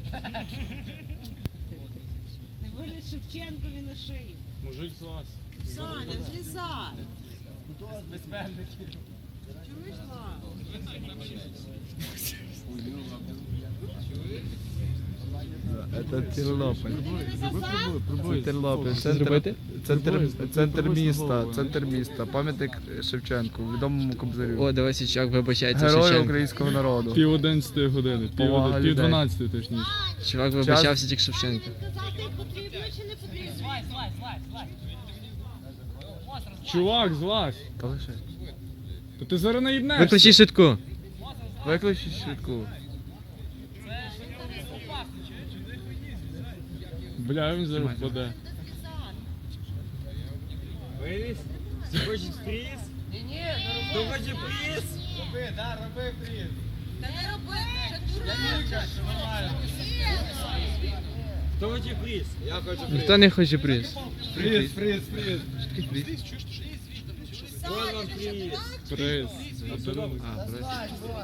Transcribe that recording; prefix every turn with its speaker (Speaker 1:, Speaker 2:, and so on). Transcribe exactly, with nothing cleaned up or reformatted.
Speaker 1: Не виліз Шевченкові на шию.
Speaker 2: Мужик злазь.
Speaker 1: Саня, злізай.
Speaker 2: Безпечники.
Speaker 1: Чуєш, Ла?
Speaker 3: Це Тернопіль. Це Тернопіль.
Speaker 2: Що
Speaker 3: Центр,
Speaker 2: зробити?
Speaker 3: центр,
Speaker 2: Пробуй,
Speaker 3: центр
Speaker 2: пробуй
Speaker 3: міста,
Speaker 2: головою.
Speaker 3: центр міста. Пам'ятник Шевченку, відомому кобзарю.
Speaker 4: О, давай Січак вибачається
Speaker 3: Герою
Speaker 4: Шевченко.
Speaker 3: українського народу.
Speaker 2: Пів одинадцятої години. Пів,
Speaker 3: Повага
Speaker 2: оди- пів
Speaker 3: людей.
Speaker 2: дванадцятої точніше.
Speaker 4: Чувак вибачався тільки Шевченко.
Speaker 1: Казати, потрібно чи не потрібно?
Speaker 2: Чувак, злазь.
Speaker 3: Та лише.
Speaker 2: То ти зараз наїбнешся.
Speaker 4: Виключи швидку.
Speaker 3: Виключи швидку.
Speaker 2: Бля, він зараз впаде.
Speaker 5: Виліз? Ти хочеш приз? Ні-ні, хто хоче приз? Роби, да, роби приз.
Speaker 1: Та не роби, ще дурак.
Speaker 5: Хто хоче приз? Я хочу приз.
Speaker 4: Ніхто не хоче приз.
Speaker 5: Приз, приз, приз.
Speaker 3: Приз.
Speaker 5: Ось вам приз.
Speaker 2: Приз.
Speaker 4: А, приз.